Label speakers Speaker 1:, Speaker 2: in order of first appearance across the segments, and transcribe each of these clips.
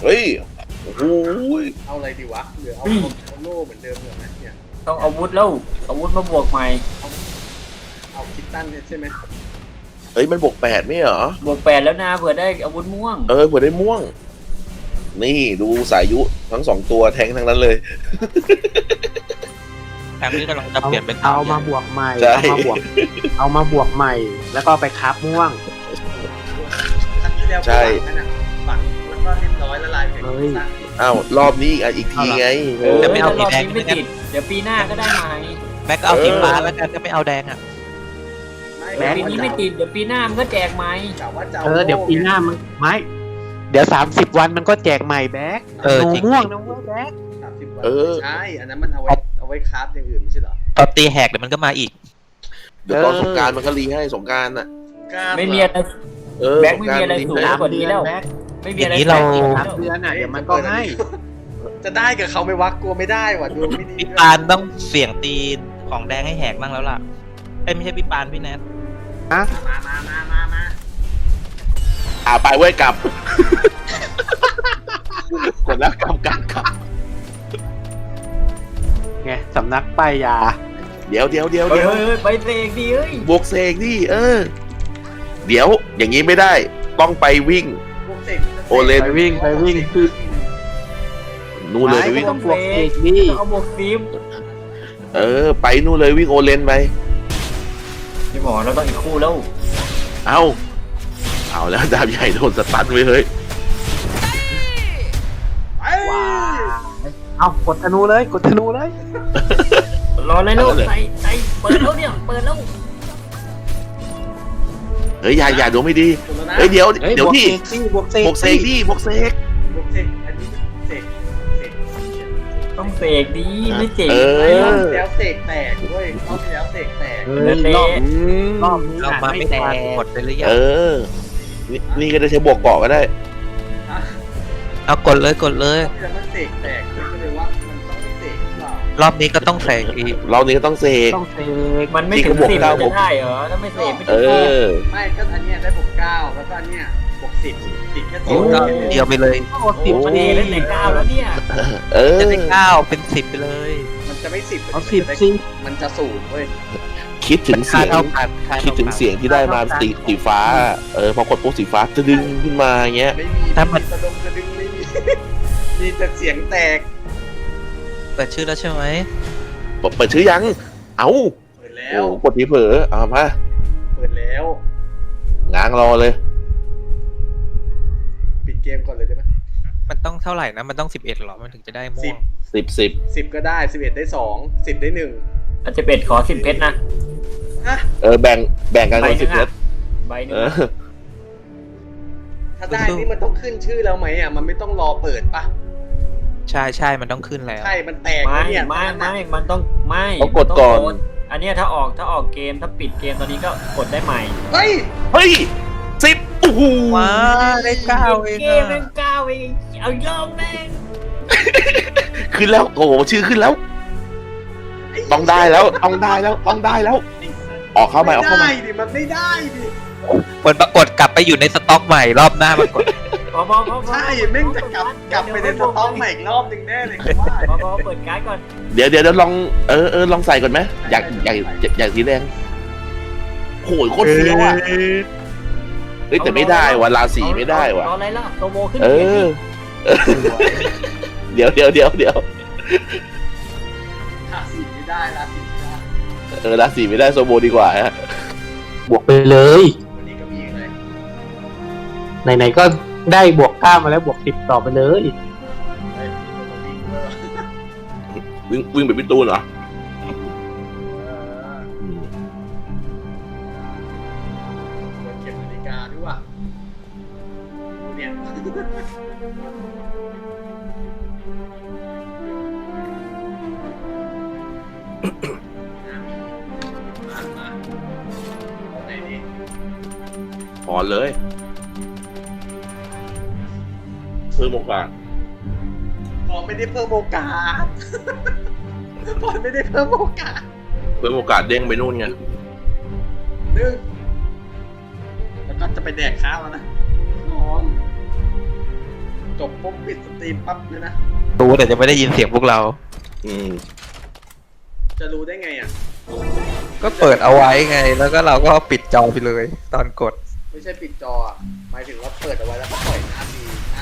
Speaker 1: เฮ้ยโอ้โห
Speaker 2: เอาอะไรดีวะหรือเอาโล่เหมือนเดิมเหรอเนี่ย
Speaker 3: ต้องอาวุธแล้วอาวุธมาบวกใหม่
Speaker 2: เอาคิตตันเนี่ยใช่ไหม
Speaker 1: เฮ้ยมันบวก8ไม่เหรอบ
Speaker 3: วก8แล้วนะเผื่อได้อาวุธม่วง
Speaker 1: เออเผื่อได้ม่วงนี่ดูสายยุทั้ง2ตัวแทงทั้งนั้นเลย
Speaker 4: แทงนี้กำลังจะเปลี่ยนเป็น
Speaker 5: เอามาบวกใหม่
Speaker 1: ใช่
Speaker 5: เอามาบวกใหม่ แล้วก็ไปคับม่วง
Speaker 2: ครั้งที่แล้วนั่นน่ะฝังแล้วก็เรียบร้อยละลายไปกับคิตตัน
Speaker 1: อ้าวรอบนี้อีกทีไง
Speaker 3: แต่ไม่เอารอบนี้ไม่ติดเดี๋ยวปีหน้าก็ได้ใหม่
Speaker 4: แม็กเอาสีฟ้าแล้วกันจะไม่เอาแดงอ่ะ
Speaker 3: ปีนี้ไม่ติดเดี๋ยวปีหน้ามันก็แจกใหม่
Speaker 2: กะว่าจะ
Speaker 5: เดี๋ยวปีหน้ามันไม่เดี๋ยว30 วันมันก็แจกใหม่แบ็ค
Speaker 4: เออ
Speaker 5: หนู
Speaker 4: จริง
Speaker 5: ม่วงนะเว้ยแบ็ค
Speaker 2: 30 วันใช่อันนั้นมันเอาไว้คราฟอย่างอื่นไม่ใช่เหรอ
Speaker 4: ตอนตีแหกเดี๋ยวมันก็มาอีก
Speaker 1: เดี๋ยวตอนสงกรารมันก็รีให้สงกรารน่ะ
Speaker 3: ไม่มีอะไร แบงค์ไม่มีอะไรสูง กว่านี้แล้ว
Speaker 5: แบ็ค
Speaker 3: ไม่มีอะไร
Speaker 4: อย่างนี้เรา
Speaker 5: 3 เดือนอ่ะเดี๋ยวมันก็ให้
Speaker 2: จะได้กับเขาไม่วักกลัวไม่ได้ว่ะดวงไม่ดี
Speaker 4: พี่ปานต้องเสี่ยงตีของแดงให้แหกบ้างแล้วล่ะเอ้ยไม่ใช่พี่ปานพี่แนท
Speaker 2: มา
Speaker 1: ไปเว้ยกลับ กดแล้วกลับ
Speaker 5: ไงสำนักป้ายยา
Speaker 1: เดี๋ยว
Speaker 3: เฮ้ยไปเสกดิเฮ้ย
Speaker 1: บวกเสกดิเดี๋ยวอย่างนี้ไม่ได้ต้องไปวิ่ง
Speaker 2: พวกเสก
Speaker 1: โอเลน
Speaker 5: ไปวิ่งคือ
Speaker 1: นู่นเลยไปวิ่ง
Speaker 5: ต้องบวกเอกนี่
Speaker 3: ต้องเอาบวกซิม
Speaker 1: ไปนู่นเลยวิ่งโอเลนไป
Speaker 3: พี่หมอเราต้องอีกคู่แล้ว
Speaker 1: เอาแล้วดาบใหญ่โดนสตันไปเฮ้ย
Speaker 5: ว้าเอากดธนูเลย
Speaker 3: รอเลยลูกใส่เปิดแล้วเนี่ยเปิดแล้ว
Speaker 1: เฮ้ยอย่าดวงไม่ดีเฮ้ยเดี๋ยวพี่
Speaker 5: บวกเสก
Speaker 1: บวกเสกดิบวกเสก
Speaker 2: พวกเสกอันนี้เสก
Speaker 3: ต้องเสกดีไม่เสก
Speaker 2: รอบที่แล้วเสกแตกด้วยรอบที่แล้วเสกแตก
Speaker 5: รอบนี้
Speaker 4: เรามาไม่ทันกดไปหรือยัง
Speaker 1: นี่ก็ได้ใช้บวกเกาะก็ได้
Speaker 4: เอากดเลย
Speaker 2: รอบที่แล้วมันเสกแตกก็เลยว่ามันต้องไม่เสกหรือเปล่าร
Speaker 4: อบนี้ก็ต้องแสงอีก
Speaker 1: เรานี้ก็ต้องเสก
Speaker 3: มันไม่ถึง10จะได้เหรอถ้าไม่เสกไม่ถึง
Speaker 2: ไม่ก็อันเนี้ยได้บวก9แล้วก็อันเนี้ยบวก10ติดแค่
Speaker 4: โอ้เดียวไปเลย
Speaker 3: มันเองเล่นแต่9แล้วเนี่ย
Speaker 4: จะได้9เป็น10ไปเลย
Speaker 2: มันจะไม่10
Speaker 5: เอา10สิ
Speaker 2: มันจะ0เว้ย
Speaker 1: คิดถึงเสียง
Speaker 4: ค่าเท่ากัน
Speaker 1: คิดถึงเสียงที่ได้มาสีฟ้าพอกดปุ๊บสีฟ้าจะดึงขึ้นมาอย่างเงี้ย
Speaker 2: ไม่มีสะดงสะดึงไม่มีมีแต่เสียงแตก
Speaker 4: เปิดชื่อแล้วใช่ไหม
Speaker 1: เปิดชื่อยังเอ้า
Speaker 2: เปิดแล้ว
Speaker 1: กดทีเผลอเอามา
Speaker 2: เปิดแล้ว
Speaker 1: ง้างรอเลย
Speaker 2: ปิดเกมก่อนเลยได้ไหม
Speaker 4: มันต้องเท่าไหร่นะมันต้อง11หรอมันถึงจะได้ม่วง
Speaker 1: 10
Speaker 2: 10ก็ได้11ได้2 10ได้1
Speaker 3: อาจจะเป็ดขอ10เพชรนะ
Speaker 2: ฮะ
Speaker 1: แบ่งกันคน10เมตร
Speaker 3: ใบหนึง
Speaker 2: ถ้าได้นี่มันต้องขึ้นชื่อแล้วไหมอ่ะมันไม่ต้องรอเปิดปะ
Speaker 4: ใช่มันต้องขึ้นแล้ว
Speaker 2: ใช่มันแตก
Speaker 3: ไม่
Speaker 2: แล้วเนี่ย
Speaker 3: มันต้องไม่
Speaker 1: เขากดก่อน
Speaker 3: อันเนี้ยถ้าออกเกมถ้าปิดเกมตอนนี้ก็กดได้ใหม่
Speaker 2: เฮ้ย
Speaker 1: เฮ้ย10โอ้โห
Speaker 4: ว้าได้9เอง
Speaker 3: เกมเป็น9เองเอาอีกรอบแม่ง
Speaker 1: ขึ้นแล้วโอ้โหชื่อขึ้นแล้ว ต้องได้แล้วออกเข้ามา
Speaker 2: ไม่ได้ดิมันไม่ได้ดิ
Speaker 4: มันปรากฏกลับไปอยู่ในสต็อกใหม่รอบหน้ามากด
Speaker 3: พอ
Speaker 2: ใช่แม่งจะกลับไปในสต็อกใหม่อีกรอบหนึ่งแน่เลยว่า
Speaker 3: พอเปิดการ์ดก่อน
Speaker 1: เดี๋ยวลองลองใส่ก่อนไหมอยากสีแดงโหยโคตรเฟี้ยวอ่ะเฮ้ยแต่ไม่ได้ว่ะราศีไม่ได้ว่ะ
Speaker 3: รออะไรล่ะโตโมขึ้น
Speaker 1: เดี๋ยว
Speaker 2: ราศีไม่ได้ราศีไม่ได้
Speaker 1: ราศีไม่ได้โซโบดีกว่าฮะ
Speaker 5: บวกไปเลย
Speaker 2: วันนี้ก็มีเลย
Speaker 5: ไหนๆก็ได้บวก9มาแล้วบวก10ต่อไปเลย
Speaker 2: เฮ้ยมีคนมาวิ่งเวอร์
Speaker 1: วิ่งไปพี่ตูนเหรอ
Speaker 2: เก็บนาฬิกาด้วยว่ะเนี่ยมาไหนดี
Speaker 1: ถอนเลยเพิ่มโอกาส
Speaker 2: พอไม่ได้เพิ่มโอกาส พอไม่ได้เพิ่มโอกาส
Speaker 1: เพิ่มโอกาสเด้งไปนู่นไง
Speaker 2: นึงแล้วก็จะไปแดกข้าวแล้วนะพร้อมจบปุ๊บปิดสตรีมปั๊บเลยนะ
Speaker 4: รู้แต่จะไม่ได้ยินเสียงพวกเรา
Speaker 1: อืม
Speaker 2: จะรู้ได้ไงอ่ะ
Speaker 6: ก็เปิดเอาไว้ไง แล้วก็เราก็ปิดจอไปเลย ตอนกด
Speaker 2: ไม่ใช่ปิดจออ่ะหมายถึงว่าเปิดเอาไว้แล้วก็ปล่อยหน้าที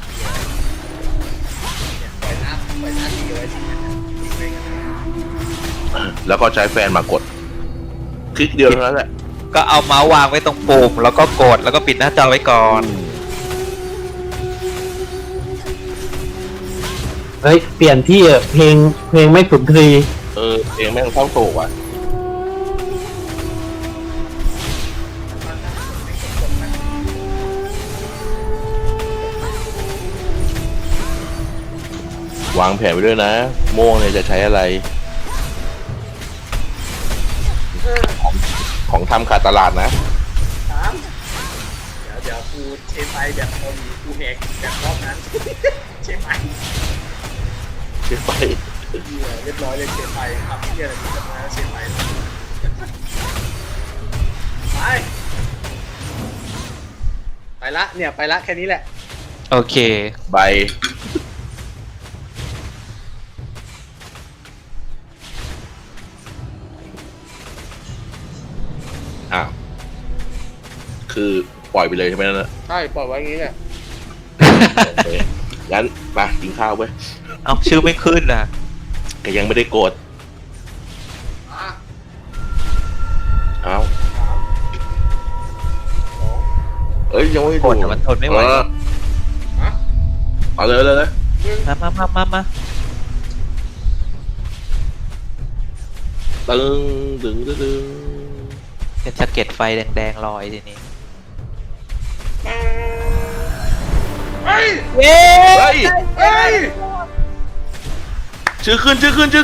Speaker 2: เนี่ยปล่อยหน้าทีไว้ทีเนี่ยทิ้งไว้กันนะ
Speaker 1: แล้วก็ใช้แฟนมากด คลิกเดียวเท่านั้นแหละ
Speaker 4: ก็เอาเมาส์วางไว้ตรงปุ่มแล้วก็กดแล้วก็ปิดหน้าจอไว้ก่อน
Speaker 5: เฮ้ยเปลี่ยนที่เพลงไม่สุนทรีย์
Speaker 1: เองแม่งเศร้าโศกอ่ะ วางแผนไว้ด้วยนะ โม่งเนี่ยจะใช้อะไร ของทำขาดตลาดนะ
Speaker 2: ถามเดี๋ยวกูเชฟไอแบบคนกูแหกแบบรอบนั้น เชฟไอ
Speaker 1: ใช่ไป
Speaker 2: เรียบร้อยเลยเชฟไอครับที่อะไรมีกันมาเชฟไอไปละเนี่ยไปละแค่นี้แหละ
Speaker 4: โอเค
Speaker 1: ใบ อ้าว คือปล่อยไปเลยใช่ไหมนั่นนะ
Speaker 2: ใช่ปล่อยไว้อย่างนี้แหละ
Speaker 1: โอเคงั้นมากินข้าวเว้ย
Speaker 4: เอาชื่อไม่ขึ้นนะ
Speaker 1: แกยังไม่ได้โกรธ
Speaker 2: อ่ะ
Speaker 1: เอ้าเอ้ยยังไม่
Speaker 4: กดแต่มันทนไม่ไหว
Speaker 2: ฮะ
Speaker 1: เอาเลยเลย
Speaker 4: มา
Speaker 1: ตึงตึงตึงตึง
Speaker 4: เป็นสะเก็ดไฟแดงๆลอยทีนี้
Speaker 2: เฮ้ย
Speaker 1: เฮ้ย
Speaker 2: เฮ้ย
Speaker 1: ชื่อขึ้น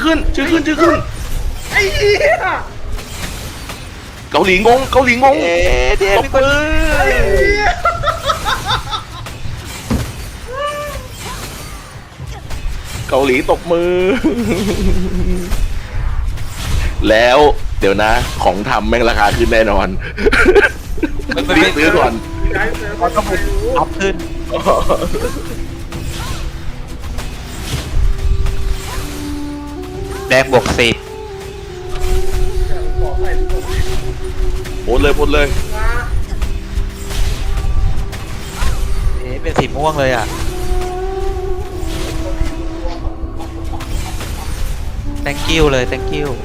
Speaker 2: ไอ้เหี้ย
Speaker 1: เกาหลีงง
Speaker 4: เดี๋ยว
Speaker 1: ตบมือ
Speaker 2: ไอ้เหี้ย
Speaker 1: เกาหลีตบมือ แล้วเดี๋ยวนะ ของทำแม่งราคาขึ้นแน่นอนรีบซื้อก่อน
Speaker 2: ย้ายเสือเขาต้องไปรู้
Speaker 4: อัพขึ้น แดงบวก10
Speaker 2: บอกไปรู้ไหม
Speaker 1: หมดเลย
Speaker 2: มา
Speaker 4: เป็นสีม่วงเลยอ่ะ thank you เลย thank you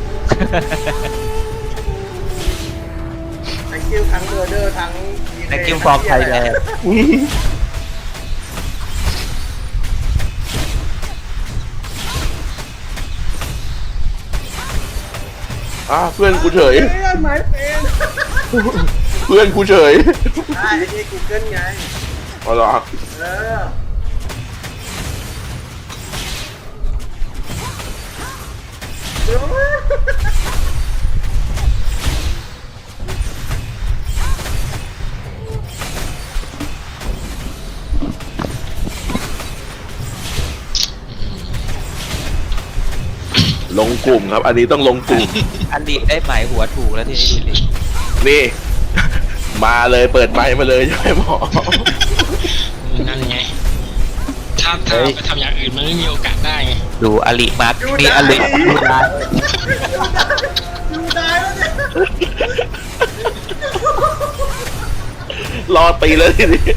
Speaker 2: thank you ทั้งเมอร์เดอร์ทั้ง
Speaker 4: thank you from Thailand
Speaker 1: เพื่อนกูเฉย
Speaker 2: เพื่อนไม้เป็น
Speaker 1: เพื่อนกูเฉย
Speaker 2: ได้ไอ้นี่ Google ไง
Speaker 1: เอาเหรอ
Speaker 2: เออ
Speaker 1: ลงกลุ่มครับ อันนี้ต้องลงกลุ่ม
Speaker 4: อันดีได้หมายหัวถูกแล้วทีนี้ดูดิ
Speaker 1: นี่ มาเลยเปิดไมค์มาเลยใช่ไหมหมอ
Speaker 7: นั่นไง ถ้าไปทำอย่างอื่นมันไม่มีโอกาสได้ไง
Speaker 4: ดูอลิมาร์คมีอลิดูได้
Speaker 2: ดูได้แล้วเนี่ย
Speaker 1: รอตีเลยทีนี้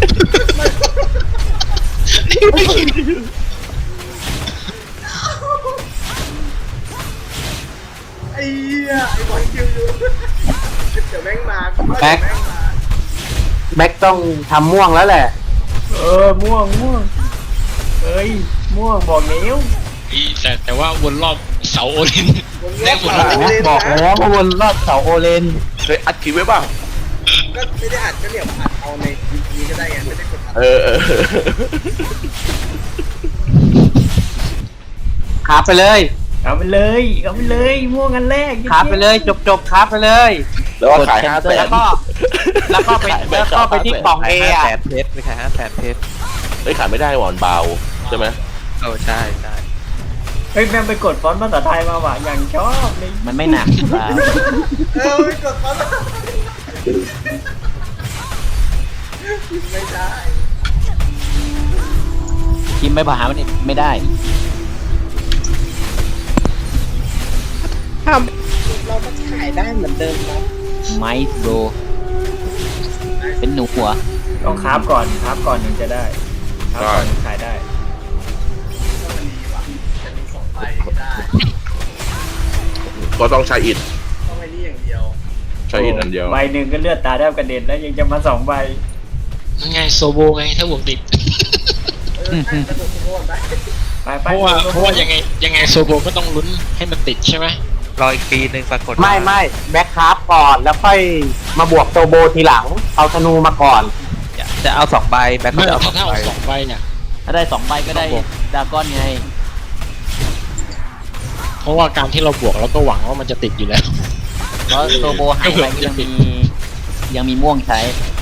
Speaker 2: ไอ้เหี้ยไอ้บอลคิวอยู่เดี๋ยวแม่งมา
Speaker 5: แบ็คต้องทำม่วงแล้วแหละ
Speaker 3: ม่วงเอ้ยม่วงบอกนิ้ว
Speaker 7: แต่ว่าวนรอบเสาโอลิน ได้หมด
Speaker 5: บอกแล้วว่าวนรอบเสาโอเลน
Speaker 1: เคยอัดคลิปไว้ป่ะ
Speaker 2: ก็ไม่ได้อัดก็เดี๋ยวอัดเอาในนี้ก็ได้ไงไม่ได้กดอัด
Speaker 1: เออ
Speaker 5: ขาไปเลย
Speaker 3: เอาไปเลยม่วงอันแรก
Speaker 5: ขาไปเลยจบขาไปเลย
Speaker 1: แล้วก็ขาย500,000
Speaker 5: แล้วก็ไปที่กล่องเอ
Speaker 4: 500,000
Speaker 5: อะ
Speaker 4: เพชรไม่ขาย500,000เพชร
Speaker 1: เฮ้ยขายไม่ได้หวานเบาใช่ไหม
Speaker 4: ใช่
Speaker 3: เฮ้ยแม่งไปกดฟอนต์ภาษาไทยมาว่ะอย่างชอบเลย
Speaker 5: มันไม่หนักเปล่า
Speaker 2: ไม่กดเขาไม่ได้
Speaker 8: พิมพ์ไปหามันไม่ได้
Speaker 2: เราก็ถ่ายได้เหมือนเดิมครับ
Speaker 8: ไมซ์โบรเป็นหนูหัว
Speaker 3: ต้องคราฟก่อนถึงจะได้คราฟก่อนถึงขายได้
Speaker 2: ก็มันดีว่ะจะมี2 ใบได้
Speaker 1: ก็ต้องใช้อิฐ
Speaker 2: ต้องไอ้นี่อย่างเดียว
Speaker 1: ใช้อิฐอันเดียว
Speaker 3: ใบหนึ่งก็เลือดตาแทบกระเด็นแล้วยังจะมา2 ใบ
Speaker 7: นั่นไงโซโบไงถ้าบวกติด
Speaker 2: น่าจะถูกโทษได้
Speaker 3: ไป
Speaker 7: เพราะว่ายังไงโซโบก็ต้องลุ้นให้มันติดใช่ไหม
Speaker 6: รออีกปีหนึ่งปรากฏ
Speaker 5: ไม่แบ็คคราฟก่อนแล้วค่อยมาบวกโซโบทีหลัง เอาธนูมาก่อน
Speaker 6: จะเอา2 ใบแบ็ค
Speaker 7: ไม่
Speaker 6: จะเอา
Speaker 7: ถ้า
Speaker 6: 2 ใบ
Speaker 7: เอา2 ใบเนี่ย
Speaker 8: ถ้าได้2 ใบก็ได้ดราก้อนไง
Speaker 7: เพราะว่าการที่เราบวกเราก็หวังว่ามันจะติดอยู่แล้ว
Speaker 8: เพราะโซโบหายไปก็ยังมีม่วงใช้